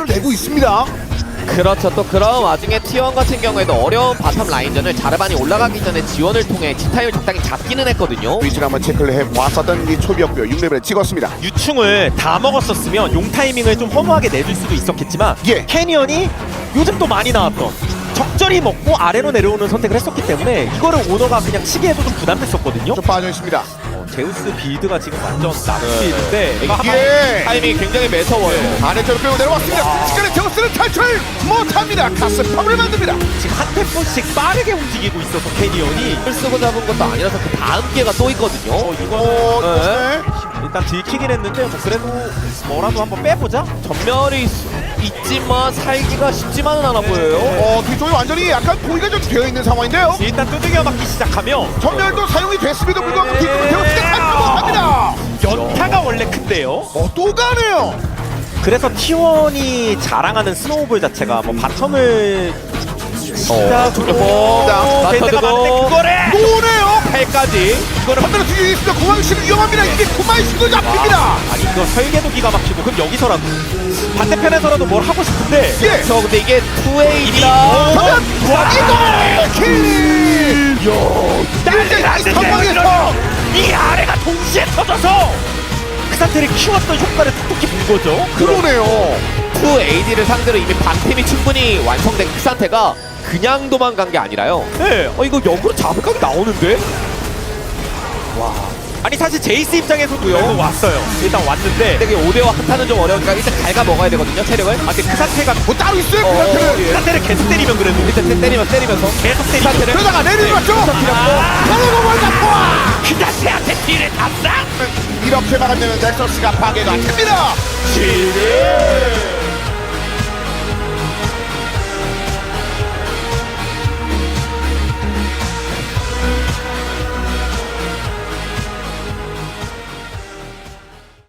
내고 있습니다. 그렇죠. 또 그런 와중에 T1 같은 경우에도 어려운 바텀 라인전을 자르반이 올라가기 전에 지원을 통해 지타임을 적당히 잡기는 했거든요. 위치를 한번 체크를 해보았었던 이 초비였고요. 6레벨을 찍었습니다. 유충을 다 먹었었으면 용 타이밍을 좀 허무하게 내줄 수도 있었겠지만 예. 캐니언이 요즘 또 많이 나왔던 적절히 먹고 아래로 내려오는 선택을 했었기 때문에 이거를 오너가 그냥 치기에도 좀 부담됐었거든요. 좀 빠져 있습니다. 제우스 빌드가 지금 완전 나쁘는데 예. 타이밍이 굉장히 매서워요. 아래쪽으로 끌고 내려왔습니다. 순식간에 제우스는 탈출 못합니다. 가스펌을 만듭니다. 지금 한 템포씩 빠르게 움직이고 있어서 캐니언이 을 쓰고 잡은 것도 아니라서 그 다음 기회가 또 있거든요. 이거는 네. 일단 들키긴 했는데 뭐 그래도 뭐라도 한번 빼보자. 전멸이 있지만 살기가 쉽지만은 않아 보여요. 뒤쪽이 완전히 약간 보기가 좀 되어 있는 상황인데요. 일단 두들겨 맞기 시작하면 전멸도 사용이 됐음에도 불구하고 뒤쪽으로 제우스가 탈출 못합니다. 연타가 원래 큰데요. 또 가네요. 그래서 T1이 자랑하는 스노우볼 자체가 뭐 바텀을 시작으로 자, 될 때가 맞춰주고. 많은데 그거를 노네요. 8까지. 이거는 반대로 뒤에 있습니다. 구마유씨는 위험합니다. 이게 구마유씨도 잡힙니다. 아니 이거 설계도 기가 막히고 그럼 여기서라도 반대편에서라도 뭘 하고 싶은데 예. 그렇죠. 근데 이게 2A이라 그러면 이거 킬. 이 상황에서 이 아래가 동시에 터져서 그 상태를 키웠던 효과를 톡톡히 본 거죠. 그러네요. 2AD를 상대로 이미 방템이 충분히 완성된 그 상태가 그냥 도망간 게 아니라요. 네. 이거 역으로 잡을 각이 나오는데? 아니 사실 제이스 입장에서도요. 왔어요. 일단 왔는데 근데 5대5 한타는 좀 어려우니까 일단 갉아 먹어야 되거든요, 체력을. 근데 그 상태가 뭐 따로 있어요. 그 어, 상태는. 그 상태를 계속 때리면 그래도 일단 때리면서 계속 그 때리면 상태를 그러다가 내리는 거죠. 바로 뭘 잡고 와. 그 자체한테 뒤를 담당. 이렇게 막으면 넥서스가 파괴가 됩니다. 지뢰.